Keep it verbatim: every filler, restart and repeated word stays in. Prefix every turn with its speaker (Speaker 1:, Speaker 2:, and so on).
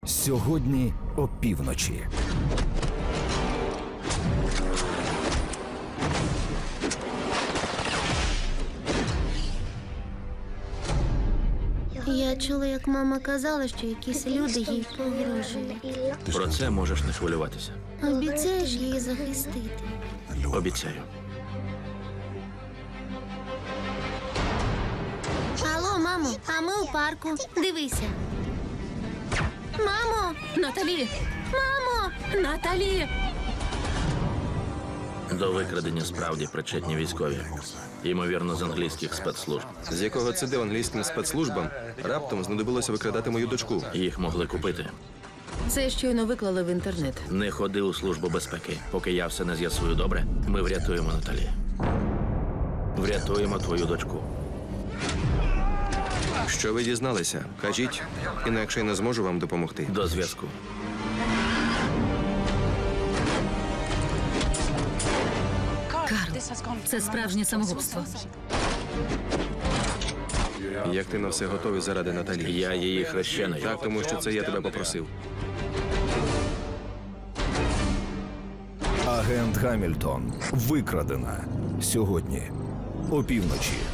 Speaker 1: Сьогодні опівночі.
Speaker 2: Я чула, як мама казала, що якісь люди їй погрожують.
Speaker 3: Про це можеш не хвилюватися.
Speaker 2: Обіцяєш її захистити?
Speaker 3: Обіцяю.
Speaker 2: Алло, мамо, а ми у парку. Дивися. Мамо!
Speaker 4: Наталі!
Speaker 2: Мамо!
Speaker 4: Наталі!
Speaker 3: До викрадення справді причетні військові. Ймовірно, з англійських спецслужб.
Speaker 5: З якого це де англійським спецслужбам раптом знадобилося викрадати мою дочку.
Speaker 3: Їх могли купити.
Speaker 4: Це щойно виклали в інтернет.
Speaker 3: Не ходи у Службу безпеки. Поки я все не з'ясую добре, ми врятуємо Наталі. Врятуємо твою дочку.
Speaker 5: Що ви дізналися? Кажіть, інакше я не зможу вам допомогти.
Speaker 3: До зв'язку.
Speaker 4: Карл, це справжнє самогубство.
Speaker 5: Як ти на все готовий заради Наталі?
Speaker 3: Я її хрещений.
Speaker 5: Так, тому що це я тебе попросив.
Speaker 1: Агент Гамільтон. Викрадена. Сьогодні опівночі.